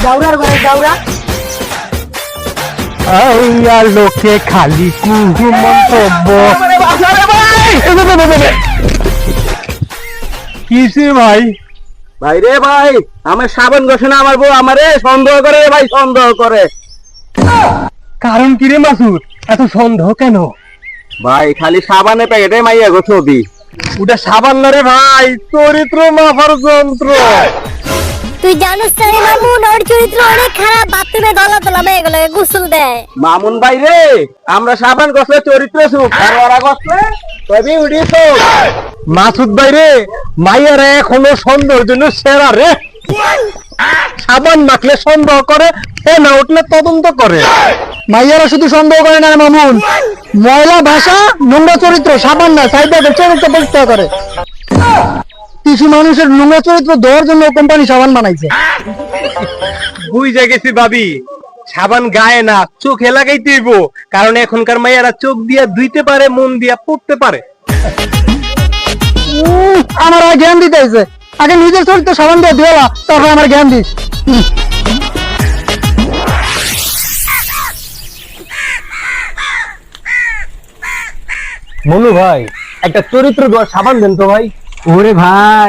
দাউরার ঘরে দাউরা আর লোকে খালি কুহু মন্তব্য। কিসে ভাই? ভাই রে ভাই, আমার সাবান ঘষে না আমার বউ আমারে সন্দেহ করে ভাই, সন্দেহ করে। কারণ কি রে মাসুদ, এত সন্দেহ কেন? ভাই খালি সাবানে প্যাকেটে মাইয়া গো ছবি। ওটা সাবান না রে ভাই, চরিত্র মাপার যন্ত্র। তুই জানিস না রে মামুন, ওর চরিত্র অনেক খারাপ, বাথরুমে গলা তোলা মেয়ে গুলো গোসল দেয়। মামুন ভাই রে, আমরা সাবান ঘষলে চরিত্র সুখ, আর ওরা ঘষলে তবে উড়ি তো। মাসুদ ভাই রে, মাইয়ারা এখনো সন্দেহের জন্য সেরা রে। সাবান মাখলে সন্দেহ করে, না উঠলে তদন্ত করে। মাইয়ারা শুধু সন্দেহ করে না রে মামুন, ময়লা ভাষা নোংরা চরিত্র সাবান না সাইডে চরিত্র পরীক্ষা করে। কিছু মানুষের নোংরা চরিত্র দেওয়ার জন্য কোম্পানি সাবান বানাইছে। বুঝে গেছি ভাবি, সাবান গায়ে না চোখে লাগাইতে হইব, কারণ এখনকার মাইয়ারা চোখ দিয়া ধুইতে পারে, মন দিয়া পড়তে পারে। আমার আর জ্ঞান দিতে হয়েছে, আগে নিজের চরিত্র সাবান দিয়ে দেওয়া, তারপর আমার জ্ঞান দিস। মনু ভাই, একটা চরিত্র দেওয়ার সাবান দেন তো ভাই। ওরে ভাই,